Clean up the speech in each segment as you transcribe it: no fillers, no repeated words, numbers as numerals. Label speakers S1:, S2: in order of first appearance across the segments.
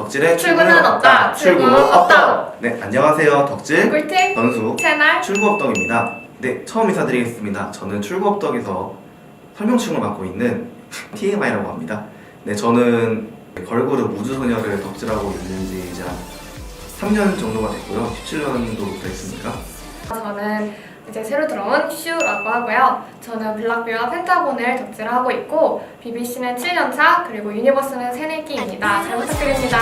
S1: 덕질의
S2: 출구는 없다. 출구 없다.
S1: 네, 안녕하세요. 덕질
S2: 꿀팁
S1: 전수
S2: 채널
S1: 출구업덕입니다. 네, 처음 인사드리겠습니다. 저는 출구업덕에서 설명충을 맡고 있는 TMI라고 합니다. 네, 저는 걸그룹 우주소녀를 덕질하고 있는 지 이제 한 3년 정도가 됐고요. 17년도 됐습니다.
S2: 저는 이제 새로 들어온 슈라고 하고요. 저는 블락비와 펜타곤을 덕질하고 있고 BBC는 7년차 그리고 유니버스는 새내기입니다. 잘 부탁드립니다.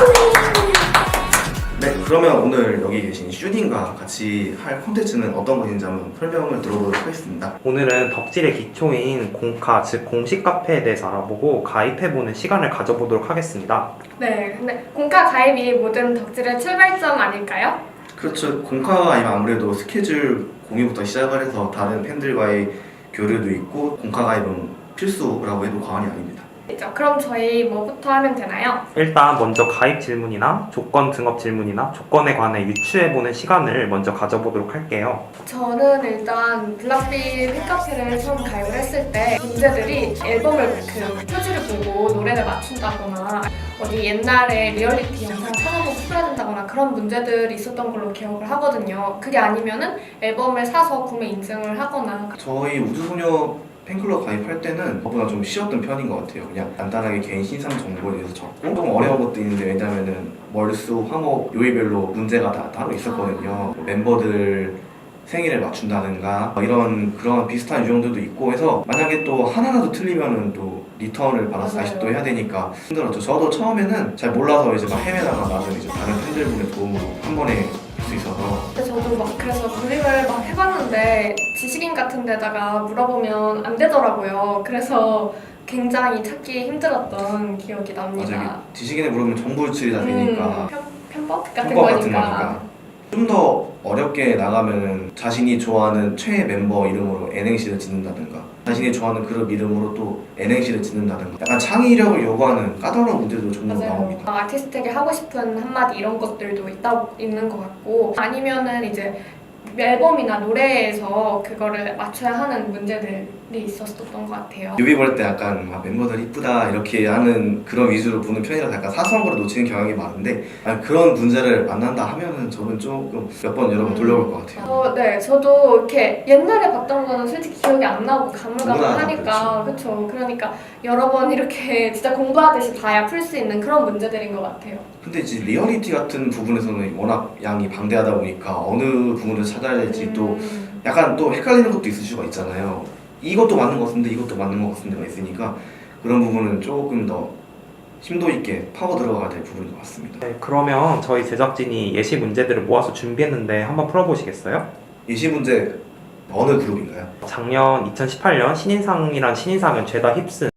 S1: 네, 그러면 오늘 여기 계신 슈딘과 같이 할 콘텐츠는 어떤 것인지 한번 설명을 들어보도록 하겠습니다.
S3: 오늘은 덕질의 기초인 공카, 즉 공식 카페에 대해서 알아보고 가입해보는 시간을 가져보도록 하겠습니다.
S2: 네, 근데 공카 가입이 모든 덕질의 출발점 아닐까요?
S1: 그렇죠. 공카가 아니면 아무래도 스케줄 공유부터 시작을 해서 다른 팬들과의 교류도 있고 공카 가입은 필수라고 해도 과언이 아닙니다.
S2: 그럼 저희 뭐부터 하면 되나요?
S3: 일단 먼저 가입 질문이나 조건 등업 질문이나 조건에 관해 유추해보는 시간을 먼저 가져보도록 할게요.
S2: 저는 일단 블락비 팬카페를 처음 가입을 했을 때 문제들이 앨범을 그 표지를 보고 노래를 맞춘다거나 어디 옛날에 리얼리티 영상 찾아보고 풀어야 된다거나 그런 문제들이 있었던 걸로 기억을 하거든요. 그게 아니면은 앨범을 사서 구매 인증을 하거나
S1: 저희 우주소녀 팬클럽 가입할 때는 저보다 좀 쉬웠던 편인 것 같아요. 그냥 간단하게 개인 신상 정보에 대해서 적고 좀 어려운 것도 있는데 왜냐면은 월수, 화목, 요일별로 문제가 다 따로 있었거든요. 멤버들 생일을 맞춘다든가 이런 그런 비슷한 유형들도 있고 해서 만약에 또 하나라도 틀리면은 또 리턴을 받아서 다시 또 해야 되니까 힘들었죠. 저도 처음에는 잘 몰라서 이제 막 헤매다가 나중에 이제 다른 팬들분의 도움으로 한 번에 할 수 있어서
S2: 근데 저도 막 그래서 구입을 막 해봤는데 지식인 같은 데다가 물어보면 안 되더라고요. 그래서 굉장히 찾기 힘들었던 기억이 납니다.
S1: 맞아요. 지식인에 물으면 정보유출이 다 되니까
S2: 편법 같은
S1: 편법 같은
S2: 거니까.
S1: 거니까 좀 더 어렵게 나가면은 자신이 좋아하는 최애 멤버 이름으로 N행시를 짓는다든가 자신이 좋아하는 그룹 이름으로 또 N행시를 짓는다든가 약간 창의력을 요구하는 까다로운 문제도 종종 나옵니다.
S2: 아티스트에게 하고 싶은 한마디 이런 것들도 있는 것 같고 아니면은 이제 앨범이나 노래에서 그거를 맞춰야 하는 문제들이 있었던 것 같아요.
S1: 뮤비 볼 때 약간 막 멤버들 이쁘다 이렇게 하는 그런 위주로 보는 편이라서 약간 사소한 걸 놓치는 경향이 많은데 그런 문제를 만난다 하면은 저는 조금 몇 번 여러 번 돌려볼 것 같아요.
S2: 네, 저도 이렇게 옛날에 봤던 거는 솔직히 기억이 안 나고 가물가물하니까 그렇죠. 그러니까 여러 번 이렇게 진짜 공부하듯이 봐야 풀 수 있는 그런 문제들인 것 같아요.
S1: 근데 이제 리얼리티 같은 부분에서는 워낙 양이 방대하다 보니까 어느 부분을 찾아야 될지 또 약간 또 헷갈리는 것도 있을 수가 있잖아요. 이것도 맞는 것 같은데 이것도 맞는 것 같은데가 있으니까 그런 부분은 조금 더 심도 있게 파고 들어가야 될 부분인 것 같습니다.
S3: 네, 그러면 저희 제작진이 예시 문제들을 모아서 준비했는데 한번 풀어보시겠어요?
S1: 예시 문제 어느 그룹인가요?
S3: 작년 2018년 신인상이란 신인상은 죄다 휩쓴